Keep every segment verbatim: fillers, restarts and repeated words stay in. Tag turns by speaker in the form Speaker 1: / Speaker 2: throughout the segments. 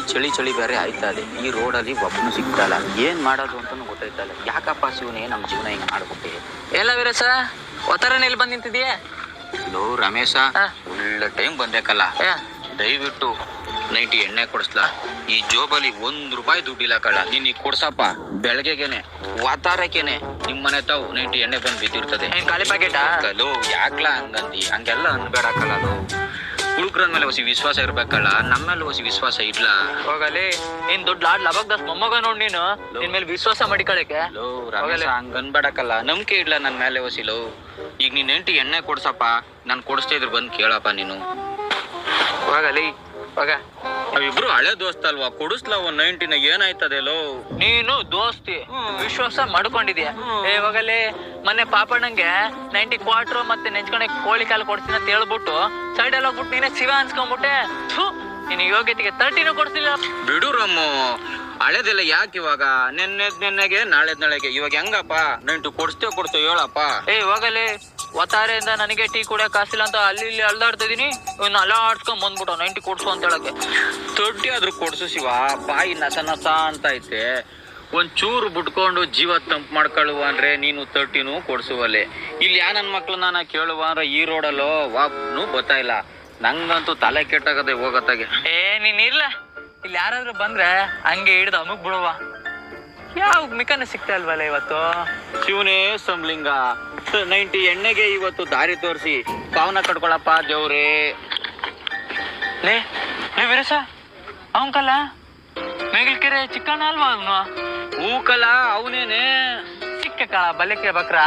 Speaker 1: ಚಳಿ ಚಳಿ ಬೇರೆ ಆಯ್ತಾ ಇದೆ. ಈ ರೋಡಲ್ಲಿ ಒಬ್ಬನು ಸಿಗ್ತಲ್ಲ, ಏನ್ ಮಾಡೋದು ಅಂತಾನು ಗೊತ್ತಾಯ್ತಲ್ಲ. ಯಾಕಪ್ಪ ಶಿವನೇ ನಮ್ಮ ಜೀವನ ಹಿಂಗ್ ಮಾಡ್ಬಿಟ್ಟೆ.
Speaker 2: ಎಲ್ಲ ವೀರಸ ಒತ್ತರನ ಇಲ್ಲಿ ಬಂದ್ ನಿಂತಿದ್ಯಾ?
Speaker 1: ಲೋ ರಮೇಶ, ಒಳ್ಳೆ ಟೈಮ್ ಬಂದೇಕಲ್ಲ, ದಯವಿಟ್ಟು ನೈಂಟಿ ಎಣ್ಣೆ ಕೊಡಿಸ್ಲಾ. ಈ ಜೋಬಲ್ಲಿ ಒಂದ್ ರೂಪಾಯಿ ದುಡ್ಡಿಲ್ಲ ಕಳ್ಳ, ನೀನ್ ಈಗ ಕೊಡ್ಸಪ್ಪ. ಬೆಳಗ್ಗೆಗೆನೆ ವಾತಾರಕ್ಕೇನೆ ನಿಮ್ ಮನೆ ತಾವು ನೈಂಟಿ ಎಣ್ಣೆ ಬಂದ್ ಬಿದ್ದಿರ್ತದೆ.
Speaker 2: ಖಾಲಿ ಪ್ಯಾಕೆಟ್
Speaker 1: ಲೋ ಯಾಕ್ಲಾ ಹಂಗಂದಿ? ಹಂಗೆಲ್ಲ ಅನ್ಬೇಡಕ್ಕಲ್ಲ. ಲೋ ಹುಡುಗ್ರ ಮೇಲೆ ಹೊಸಿ ವಿಶ್ವಾಸ ಇರ್ಬೇಕಲ್ಲ, ನಮ್ಮೇಲೆ ಹೊಸಿ ವಿಶ್ವಾಸ ಇಡ್ಲಾ.
Speaker 2: ಹೋಗಲಿ, ನೀನ್ ದೊಡ್ಡ ಲಾಡ್ ಲಬಕ್ ದಸ್ ಮೊಮ್ಮಗ ನೋಡ್ ನೀನು ನಿನ್ ಮೇಲೆ ವಿಶ್ವಾಸ ಮಾಡಿಕಳಕ್ಕೆ.
Speaker 1: ಲೋ ರಮೇಶ ಹಂಗ ಅನ್ಬೇಡಕ್ಕಲ್ಲ, ನಂಬಿಕೆ ಇಡ್ಲಾ ನನ್ ಮೇಲೆ ಹೊಸಿ. ಲೋ ಈಗ ನೀನ್ ಎಂಟಿ ಎಣ್ಣೆ ಕೊಡ್ಸಪ್ಪ, ನಾನ್ ಕೊಡಿಸ್ತಾ ಇದ್ರು ಬಂದ್ ಕೇಳಪ್ಪ ನೀನು.
Speaker 2: ಹೋಗಲಿ ಹೋಗ,
Speaker 1: ನಾವಿಬ್ರು ಹಳೆ ದೋಸ್ತ ಅಲ್ವಾ, ಕೊಡಿಸ್ಲಾ ಒಂದ್ ನೈಂಟಿನ ಏನಾಯ್ತದೆ. ಲೋ
Speaker 2: ನೀನು ದೋಸ್ತಿ ವಿಶ್ವಾಸ ಮಾಡ್ಕೊಂಡಿದ್ಯಾ? ಏ ಹೋಗಲಿ, ಮೊನ್ನೆ ಪಾಪಣ್ಣಂಗೆ ನೈಂಟಿ ಕ್ವಾರ್ಟರ್ ಮತ್ತೆ ನೆಂಚ್ಕೊಂಡೆ ಕೋಳಿ ಕಾಲು ಕೊಡ್ತೀನಿ ಅಂತ ಹೇಳ್ಬಿಟ್ಟು ಸೈಡ್ ಅಲ್ಲಿ ಹೋಗ್ಬಿಟ್ಟು ನೀನೇ ಶಿವ ಅನ್ಸ್ಕೊಂಡ್ಬಿಟ್ಟೆ. ನೀನು ಯೋಗ್ಯತೆಗೆ ತರ್ಟಿನೂ ಕೊಡ್ತಿಲ್ಲ.
Speaker 1: ಬಿಡು ರಮ್ಮು, ಹಳೆದೆಲ್ಲ ಯಾಕೆ ಇವಾಗ? ನೆನ್ನೆದ್ ನೆನ್ನೆಗೆ ನಾಳೆದ್ ನಾಳೆಗೆ ಇವಾಗ ಹೆಂಗಪ್ಪ? ನೈಂಟು ಕೊಡ್ಸ್ತೇವ್ ಕೊಡ್ತೇವ್ ಹೇಳಪ್ಪ.
Speaker 2: ಏ ಹೋಗಲಿ, ಒತ್ತಾರೆಯಿಂದ ನನಗೆ ಟೀ ಕುಡಿಯಕ್ ಕಾಸಿಲ್ಲ ಅಂತ ಅಲ್ಲಿ ಇಲ್ಲಿ ಅಲ್ದಾಡ್ತಾ ಇದೀನಿ, ಇನ್ನು ಅಲ್ಲ ಆಡ್ಸ್ಕೊಂಡ್ ಬಂದ್ಬಿಟ್ಟು ನೈಂಟಿ ಕೊಡ್ಸು ಅಂತ ಹೇಳಕ್ಕೆ.
Speaker 1: ತೊಟ್ಟಿ ಆದ್ರೂ ಕೊಡ್ಸು ಶಿವ, ಬಾಯಿ ನಸ ನಸ ಅಂತ ಐತೆ. ಒಂದ್ ಚೂರು ಬಿಟ್ಕೊಂಡು ಜೀವ ತಂಪ್ ಮಾಡ್ಕೊಳ್ಳುವ ಅಂದ್ರೆ ನೀನು ತರ್ಟಿನೂ ಕೊಡ್ಸುವಲ್ಲಿ. ಇಲ್ಲಿ ಯಾ ನನ್ ಮಕ್ಳು ನಾನು ಕೇಳುವ ಅಂದ್ರೆ ಈ ರೋಡಲ್ಲೋ ಒಬ್ನು ಗೊತ್ತಾ ಇಲ್ಲ. ನಂಗಂತೂ ತಲೆ ಕೆಟ್ಟಾಗದೆ ಹೋಗತ್ತಾಗೆ.
Speaker 2: ಏ ನೀನ್ ಇಲ್ಲ, ಇಲ್ಲಿ ಯಾರಾದ್ರೂ ಬಂದ್ರೆ ಹಂಗೆ ಹಿಡ್ದು ಅಮುಕ್ ಬಿಡುವ. ಯಾವ ಮಿಕನ ಸಿಗ್ತಾ ಇಲ್ವಲ್ಲ ಇವತ್ತು.
Speaker 1: ಶಿವನೇ ಸಂಬ್ಲಿಂಗ, ನೈಂಟಿ ಎಣ್ಣೆಗೆ ಇವತ್ತು ದಾರಿ ತೋರಿಸಿ ಪಾವನ ಕಟ್ಕೊಳಪ್ಪ ದೇವ್ರೇ.
Speaker 2: ಲೇ ಲೇ ವೀರಸ, ಅವನ್ಕಲ್ಲ ಮೇಗಲ್ಕೆರೆ ಚಿಕ್ಕಣ್ಣ ಅಲ್ವಾ ಅವನು?
Speaker 1: ಹೂಕಲ್ಲ ಅವನೇನೆ.
Speaker 2: ಚಿಕ್ಕ ಕಾಳ ಬಲ್ಯಕ್ಕೆ ಬಕ್ರ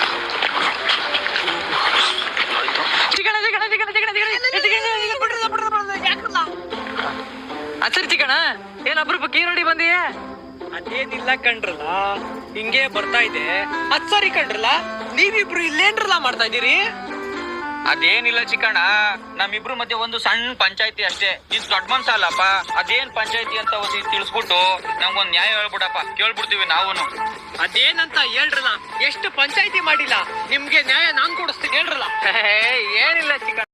Speaker 2: ಚಿಕಣ ಚಿಕಣ ಚಿಕಣ ಚಿಕಣ ಅಚ್ಚರಿ ಚಿಕಣ, ಏನ್ ಅಪರೂಪಕ್ಕೆ ಈರುಳ್ಳಿ ಬಂದಿಯೇ?
Speaker 3: ಅದೇನಿಲ್ಲ ಕಣ್ರಲ್ಲ, ಹಿಂಗೆ ಬರ್ತಾ ಇದೆ. ಅದ್ ಸರಿ ಕಣ್ರಲ್ಲ, ನೀವಿಬ್ರು ಇಲ್ಲೇನ್ರಲ್ಲ ಮಾಡ್ತಾ ಇದೀರಿ?
Speaker 1: ಅದೇನಿಲ್ಲ ಚಿಕ್ಕಣ್ಣ, ನಮ್ಮಿಬ್ರು ಮಧ್ಯೆ ಒಂದು ಸಣ್ಣ ಪಂಚಾಯತಿ ಅಷ್ಟೇ. ನೀನ್ ದೊಡ್ಡ ಮನ್ಸ ಅಲ್ಲಪ್ಪ, ಅದೇನ್ ಪಂಚಾಯತಿ ಅಂತ ಹೊಸಿ ತಿಳಿಸ್ಬಿಟ್ಟು ನಮ್ಗೊಂದ್ ನ್ಯಾಯ ಹೇಳ್ಬಿಡಪ್ಪ, ಕೇಳ್ಬಿಡ್ತೀವಿ ನಾವುನು.
Speaker 3: ಅದೇನಂತ ಹೇಳ್ರಲ್ಲ, ಎಷ್ಟು ಪಂಚಾಯತಿ ಮಾಡಿಲ್ಲ, ನಿಮ್ಗೆ ನ್ಯಾಯ ನಾನ್ ಕೊಡಿಸ್ತೀನಿ ಹೇಳ್ರಲ್ಲ.
Speaker 2: ಏನಿಲ್ಲ ಚಿಕಣ.